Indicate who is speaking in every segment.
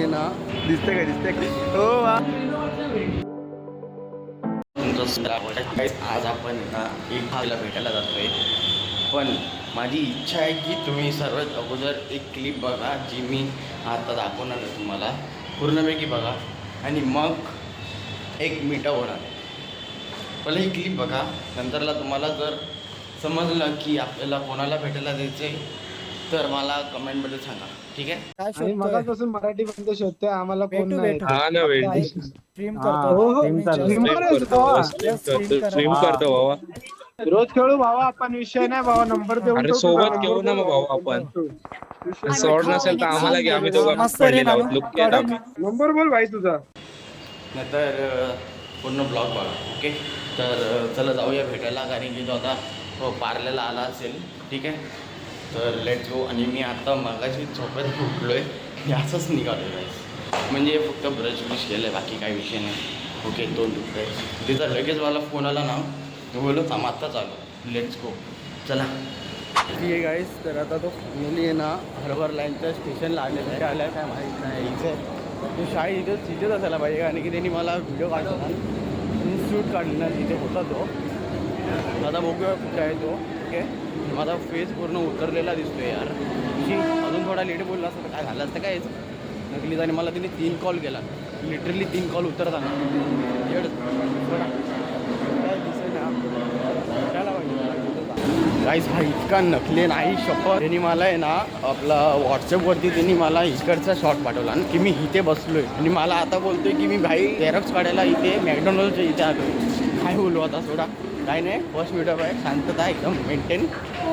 Speaker 1: ना दिसते काय हो वा. आज आपण एक भागला भेटायला जातोय, पण माझी इच्छा आहे की तुम्ही सर्वात अगोदर एक क्लिप बघा जी मी आता दाखवणार आहे तुम्हाला, पूर्णपैकी बघा आणि मग एक मीटअप होणार. पहिला ही क्लिप बघा, नंतरला तुम्हाला जर समजलं की आपल्याला कोणाला भेटायला जायचं आहे तर मला कमेंटमध्ये सांगा, ठीक आहे.
Speaker 2: काय
Speaker 3: आणि
Speaker 2: शोधतोय?
Speaker 3: मगापासून मराठी बंद शोधतोय, आम्हाला कोण
Speaker 2: भेटू
Speaker 3: नाही.
Speaker 2: भेटू.
Speaker 4: हा ना वेळ
Speaker 2: स्ट्रीम
Speaker 3: हा,
Speaker 2: करतो
Speaker 3: हो,
Speaker 2: ना,
Speaker 3: हो.
Speaker 2: तुम्ही
Speaker 3: स्ट्रीम
Speaker 2: just-
Speaker 3: करतो.
Speaker 4: स्ट्रीम करतो भावा.
Speaker 3: रोज खेळू भावा आपण, विषय नाही भावा. नंबर देऊन
Speaker 4: अरे
Speaker 3: ठेवतो
Speaker 4: सोबत
Speaker 3: ना,
Speaker 4: खेळू ना मग भाऊ आपण.
Speaker 3: विषय
Speaker 4: सोड नसेल तर आम्हाला घ्या, आम्ही दोघं
Speaker 2: मस्त रे
Speaker 4: पडलेलो आहोत.
Speaker 2: नानू.
Speaker 4: लुक केला आम्ही.
Speaker 3: नंबर बोल भाई तुझा.
Speaker 1: नंतर पूर्ण ब्लॉग बघा, ओके. तर चला जाऊया भेटायला, कारण की तो आता पार्ल्याला आला असेल, ठीक आहे. तर लेट्स गो. आणि मी आता मगाशी झोपेत उठलो आहे, मी असंच निघालो आहे, म्हणजे फक्त ब्रश ब्रश केलं आहे, बाकी काही विषय नाही. ओके, दोन दुखत आहे तिथं. लगेच मला फोन आला ना, मी बोललो थांब आत्ता चालू, लेट्स गो, चला. ठीक आहे गाईस, तर आता तो फायनली आहे ना हर्बर लाईनच्या स्टेशनला आलेला आहे. आल्या काय माहीत नाही, इथे तो शाळेत इथेच असायला पाहिजे, कारण की त्यांनी मला व्हिडिओ काढला शूट काढली ना, तिथे होता तो. आता बघूया कुठे आहे तो, ठीक आहे. माझा फेस पूर्ण उतरलेला दिसतोय यार. अजून थोडा लेट बोलला असतं तर काय झालं असतं काय नकलीच. आणि मला तिने 3 कॉल केला, लिटरली 3 कॉल उतरताना. गाईस हा इतका नकली नाही शपथ. त्यांनी मला आहे ना आपला व्हॉट्सअपवरती त्यांनी मला इकडचा शॉट पाठवला की मी इथे बसलोय, आणि मला आता बोलतोय की मी भाई झेरॉक्स काढायला इथे मॅकडॉनल्डच्या इथे आलो. काय बोलू आता, सोडा, काय नाही. फर्स्ट मीटअप आहे, शांतता एकदम मेंटेन,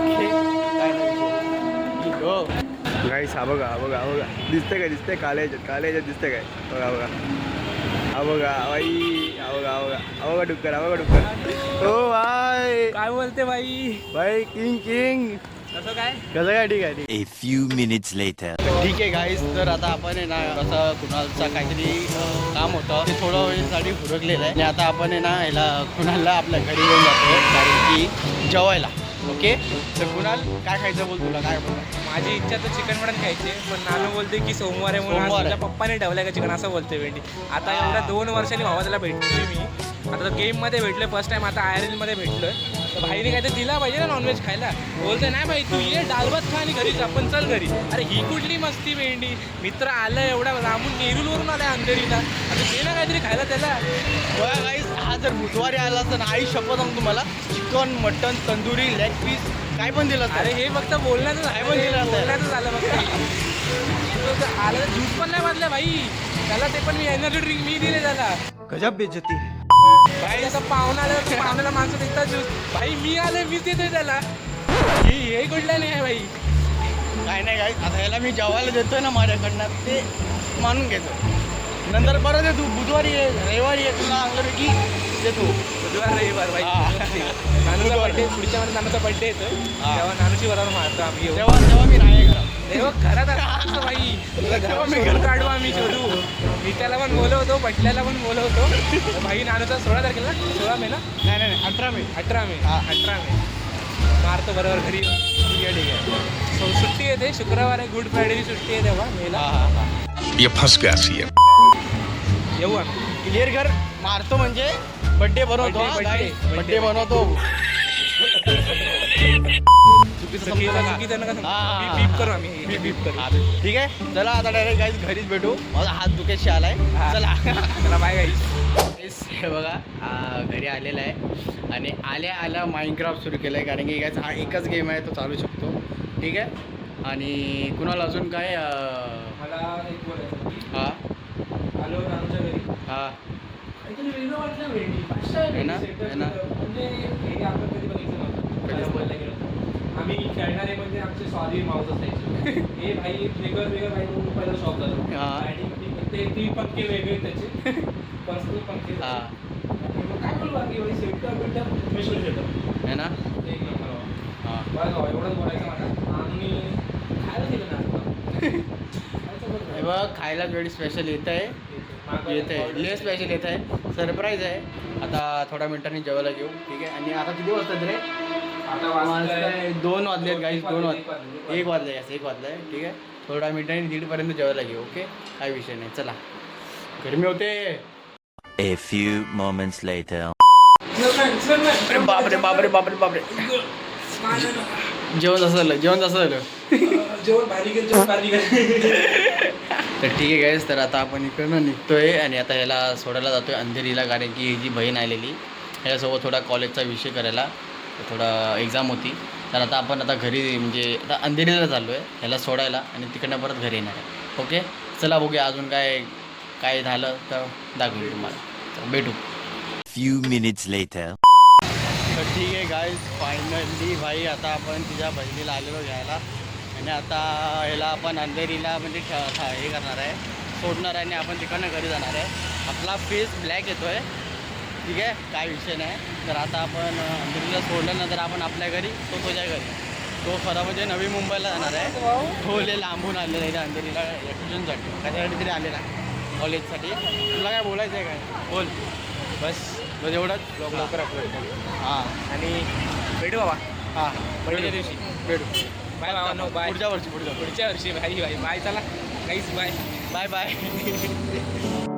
Speaker 1: काय नाही. हो गाईस, हा बघा हा बघा हा बघा, दिसतंय काय, दिसतंय कालेज दिसतंय काय, बघा बघा हा बघा बाई, हा बघा हा बघा हा बघा डुक्कर, हा बघा डुक्कर. हो भाई,
Speaker 2: काय बोलते बाई?
Speaker 1: भाई किंग
Speaker 2: कसं काय?
Speaker 1: कसं काय, ठीक आहे ठीक.
Speaker 5: A few minutes later.
Speaker 1: ठीक आहे गाईस, तर आता आपण आहे ना असं कुणालचा काहीतरी काम होतं, ते थोडं वेळेसाठी फुरकलेलं आहे, आणि आता आपण आहे ना ह्याला कुणालला आपल्या घरी घेऊन जातो, कारण की जेवायला. ओके, तर कुणाल काय खायचं बोल, तुला काय बोल.
Speaker 2: माझी इच्छा तर चिकन मटन खायचे, पण नानू बोलते की सोमवार आहे म्हणून आज
Speaker 1: सोमवार आहे.
Speaker 2: तुझ्या पप्पाने ठेवलाय का चिकन, असं बोलते भेटी. आता एवढ्या 2 वर्षांनी भावा त्याला भेटतोय मी. आता गेममध्ये भेटलोय फर्स्ट टाइम, आता IRL मध्ये भेटलोय. तर भाईने काहीतरी दिला पाहिजे ना नॉनव्हेज खायला. बोलते नाही भाई तू ये डाल भात खा आणि घरीच आपण चल घरी. अरे ही कुठली मस्ती भेंडी, मित्र आलं एवढा लांबून नेरूलवरून आलाय अंधेरीला, आता दे ना काहीतरी खायला त्याला.
Speaker 1: बघा गाईस, हा जर बुधवारी आला असता ना, आई शपथ सांगतो तुम्हाला, chicken mutton tandoori leg piece काय पण दिलं असतं.
Speaker 2: अरे हे फक्त बोलण्याचं
Speaker 1: काय पण दिलं असतं.
Speaker 2: बोलण्याचं झालं फक्त. आलं तर ज्यूस पण नाही बांधलं भाई त्याला, ते पण मी एनर्जी ड्रिंक मी दिले त्याला.
Speaker 1: गजब बेइज्जती.
Speaker 2: भाई आता पाहुणा आलं, पाहुण्याला माणसं देतात ज्यूस, भाई मी आले मीच देतोय त्याला. हे कुठलं नाही आहे भाई.
Speaker 1: काय नाही गाईस, आता ह्याला मी जेवायला देतोय ना माझ्याकडनं, ते मानून घ्यायचं. नंतर परत ये, तू बुधवारी ये, रविवारी ये, तुला अंगरकी देतो.
Speaker 2: बुधवार रविवार भाई.
Speaker 1: हा.
Speaker 2: नानूचा बर्थडे पुढच्या महिन्यात, नानूचा बर्थडे येतोय,
Speaker 1: हा.
Speaker 2: तेव्हा नानूची बरोबर मारतो आम्ही येऊ.
Speaker 1: तेव्हा मी नाही घरात.
Speaker 2: तेव्हा घरात असं भाई तुला घरात शोधून काढू आम्ही, शोधू. मी त्याला पण बोलवतो, पटल्याला पण बोलवतो. तर भाई नानूचा 16 तारखेला, 16 मे ना,
Speaker 1: नाही 18 मे.
Speaker 2: 18 मे,
Speaker 1: हा.
Speaker 2: 18 मे मारतो बरोबर घरी. ठीक आहे ठीक आहे. सो सुट्टी येते, शुक्रवार आहे, गुड फ्रायडेची सुट्टी आहे तेव्हा मेला.
Speaker 5: ये फंस गया सीएम.
Speaker 2: येऊ आम्ही.
Speaker 1: क्लिअर घर मारतो म्हणजे बड्डे बनवतो. बड्डे बनवतो.
Speaker 2: चुकीचं नका सांगू.
Speaker 1: हा.
Speaker 2: बीप करू आम्ही, बीप करू.
Speaker 1: ठीक आहे, चला आता डायरेक्ट गाईस घरीच भेटू. माझा हात दुखेशी आलाय.
Speaker 2: हा.
Speaker 1: चला
Speaker 2: चला बाय गाईस.
Speaker 1: हे बघा घरी आलेला आहे, आणि आल्या माइनक्राफ्ट सुरू केलं आहे, कारण की गाईस हा एकच गेम आहे, तो चालू शकतो. ठीक आहे. आणि कुणाला अजून काय
Speaker 2: मला एक बोलायचं.
Speaker 1: हां
Speaker 2: आलो नानूच्या घरी.
Speaker 1: हां
Speaker 2: काहीतरी वेगळं वाटलं भेंडी. पाचशे आहे
Speaker 1: है ना?
Speaker 2: भेंडी
Speaker 1: है ना?
Speaker 2: सेटअप. म्हणजे हे आपण कधी बघितलं नव्हतं.
Speaker 1: कधीच
Speaker 2: बोलायला गेलो तर. आम्ही खेळणारे म्हणजे आमचे सॉरी माऊस असायचे. हे भाई वेगळं भाई म्हणून पहिला शॉप झालो.
Speaker 1: हा.
Speaker 2: आणि ते 3 पंखे वेगळे त्याचे. पर्सनल पंखे.
Speaker 1: हां
Speaker 2: काय बोलू बाकी भाई सेटअप बिटअप मिशून सेटअप.
Speaker 1: है ना.
Speaker 2: एक नंबर.
Speaker 1: हां
Speaker 2: बरं एवढंच बोलायचं मला. आणि खायला केलं ना.
Speaker 1: हे बघ, खायला वेळी स्पेशल येत आहे, ले स्पेशल येत आहे, सरप्राईज आहे. आता थोड्या मिनिटांनी जेवायला घेऊ. ठीक आहे. आणि आता किती वाजतात रे?
Speaker 2: आता वाजताय
Speaker 1: 2 वाजलेत गाईस, 2 वाजले, 1
Speaker 2: 1
Speaker 1: वाजले. 1 वाजले. ठीक आहे. थोडा मिनिटांनी 1:30 जेवायला घेऊ. ओके, काय विषय नाही. चला, गरमी होते.
Speaker 5: A few moments later.
Speaker 1: अरे बापरे बापरे बापरे बापरे. जेवण असं झालं. तर ठीक आहे गाईस, तर आता आपण इकडनं निघतोय आणि आता ह्याला सोडायला जातोय अंधेरीला, कारण की ही जी बहीण आलेली ह्याच्यासोबत थोडा कॉलेजचा विषय करायला, थोडा एक्झाम होती. तर आता आपण घरी म्हणजे आता अंधेरीला चाललो आहे ह्याला सोडायला आणि तिकडनं परत घरी येणार आहे. ओके, चला बघूया अजून काय झालं तर दाखवू तुम्हाला. तर भेटू.
Speaker 5: Few minutes later.
Speaker 1: तर ठीक आहे गाईज, फायनली भाई आता आपण तिच्या बहिणीला आलेलो घ्यायला आणि आता ह्याला आपण अंधेरीला म्हणजे हे करणार आहे, सोडणार आहे आणि आपण तिकडनं घरी जाणार आहे. आपला फेस ब्लॅक येतो आहे, ठीक आहे, काय विषय नाही. तर आता आपण अंधेरीला सोडल्यानंतर आपण आपल्या घरी, तो तुझ्या घरी. तो खरं म्हणजे नवी मुंबईला जाणार आहे. तो लय लांबून आलेला आहे अंधेरीला ट्युशनसाठी, कशासाठी तरी आलेला कॉलेजसाठी. तुला काय बोलायचं आहे काय? बोल. बस एवढंच.
Speaker 2: लवकर अपलोड करू.
Speaker 1: हां,
Speaker 2: आणि भेटू बाबा.
Speaker 1: हां,
Speaker 2: बर्थडे दिवशी
Speaker 1: भेटू.
Speaker 2: बाय बाबा. No bye.
Speaker 1: पुढच्या वर्षी
Speaker 2: पुढच्या वर्षी. Bye bye. चला काहीच बाय.
Speaker 1: Bye bye.